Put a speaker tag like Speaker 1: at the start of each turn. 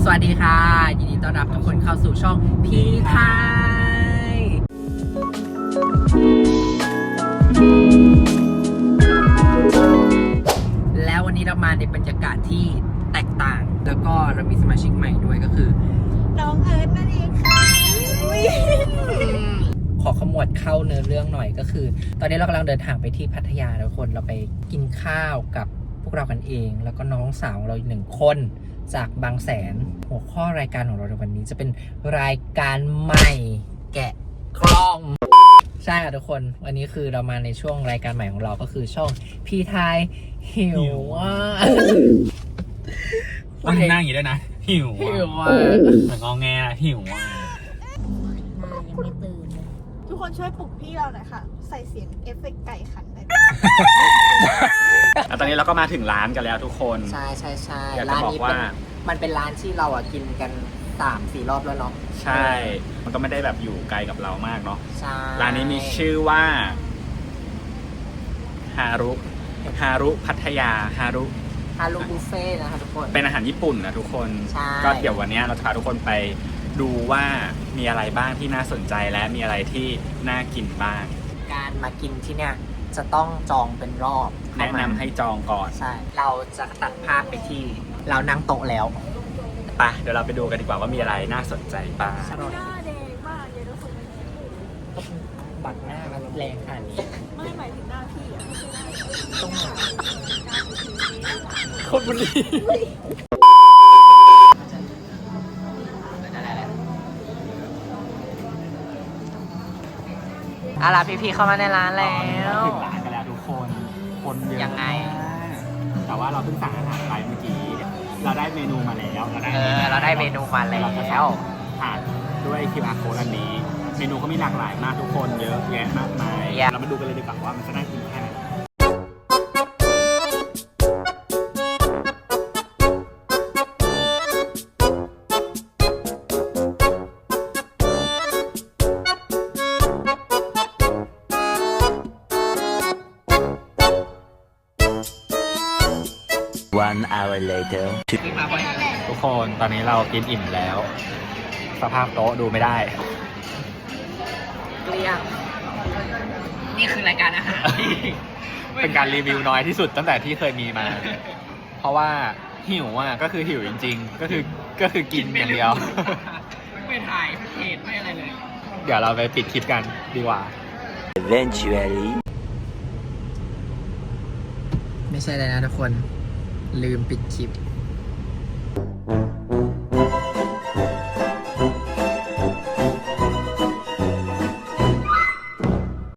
Speaker 1: วัสดีค่ะยินดีต้อนรับทุกคนเข้าสู่ช่องพีไทยแล้ววันนี้เรามาในบรรยากาศที่แตกต่างแล้วก็เรามีสมาชิกใหม่ด้วยก็คือ
Speaker 2: น้องเอิร์ธนั่นเองค่ะ
Speaker 1: ขอขมวดเข้าเนื้อเรื่องหน่อยก็คือ ตอนนี้เรากำลังเดินทางไปที่พัทยาทุกคนเราไปกินข้าวกับพวกเรากันเองแล้วก็น้องสาวเราอีก1 คนจากบางแสนหัวข้อรายการของเราในวันนี้จะเป็นรายการใหม่แกะกล้องใช่ค่ะทุกคนวันนี้คือเรามาในช่วงรายการใหม่ของเราก็คือช่องพีไทยหิวว่า
Speaker 3: ต้องนั่งอย่างนี้ด้วยนะหิว
Speaker 1: ว่า
Speaker 3: เหมือนงอแงหิว
Speaker 2: มายังไม่ตื่นเลยทุกคนช่วยปลุกพี่เราหน่อยค่ะใส่เสียงเอฟเฟกต์ไก่ขันได้
Speaker 3: ตอนนี้เราก็มาถึงร้านกันแล้วทุกคน
Speaker 1: ใช่
Speaker 3: อยากจะบอกว่า
Speaker 1: มันเป็นร้านที่เรากินกัน 3-4 รอบแล้วเนาะ
Speaker 3: ใช่มันก็ไม่ได้แบบอยู่ไกลกับเรามากเนาะ
Speaker 1: ใช่
Speaker 3: ร้านนี้มีชื่อว่าฮารุพัทยาฮารุ
Speaker 1: บุฟเฟ่นะคะทุกคน
Speaker 3: เป็นอาหารญี่ปุ่นนะทุกคนก็เดี๋ยววันนี้เราจะพาทุกคนไปดูว่ามีอะไรบ้างที่น่าสนใจและมีอะไรที่น่ากินบ้าง
Speaker 1: การมากินที่เนี่ยจะต้องจองเป็นรอบ
Speaker 3: แนะนำให้จองก่อน
Speaker 1: ใช่เราจะตัดภาพไปที่เรานั่งโต๊ะแล้ว
Speaker 3: ไปเดี๋ยวเราไปดูกันดีกว่าว่ามีอะไรน่าสนใจบ้าง
Speaker 2: หน้าแดงมากเลยทุกคน
Speaker 1: บัตรหน้ามันแรงขนาดนี้
Speaker 2: ไม่หมายถึงหน้าพี่อะ
Speaker 1: ต้องหา
Speaker 3: คนบุรี
Speaker 1: เอาล่ะพี่ๆเข้ามาในร้านแล้ว
Speaker 3: ถึงร้านกันแล้วทุกคนเยอะ
Speaker 1: ยังไง
Speaker 3: แต่ว่าเราเพิ่งสั่งอาหารไปเมื่อกี้เราได้เมนูมาแล้ว
Speaker 1: เราได้เมนูมาแล้ว
Speaker 3: ผ่านด้วย QR code อันนี้เมนูก็มีหลากหลายมากทุกคนเยอะแยะมากมายเรามาดูกันเลยดีกว่าว่ามันจะน่ากินแค่ไหน
Speaker 4: 1 hour later
Speaker 3: ทุกคนตอนนี้เรากินอิ่มแล้วสภาพโต๊ะดูไม่ได้
Speaker 1: เกลี้ยงนี่คือรายการอาหาร
Speaker 3: เป็นการรีวิวน้อยที่สุดตั้งแต่ที่เคยมีมาเพราะว่าหิวก็คือหิวจริงๆก็คือกินอย่างเดียว
Speaker 1: ไม่ถ่ายเพจไม่อะไรเลย
Speaker 3: เดี๋ยวเราไปปิดคลิปกันดีกว่า
Speaker 4: Eventually
Speaker 1: ไม่ใช่เลยนะทุกคนลืมปิดคลิป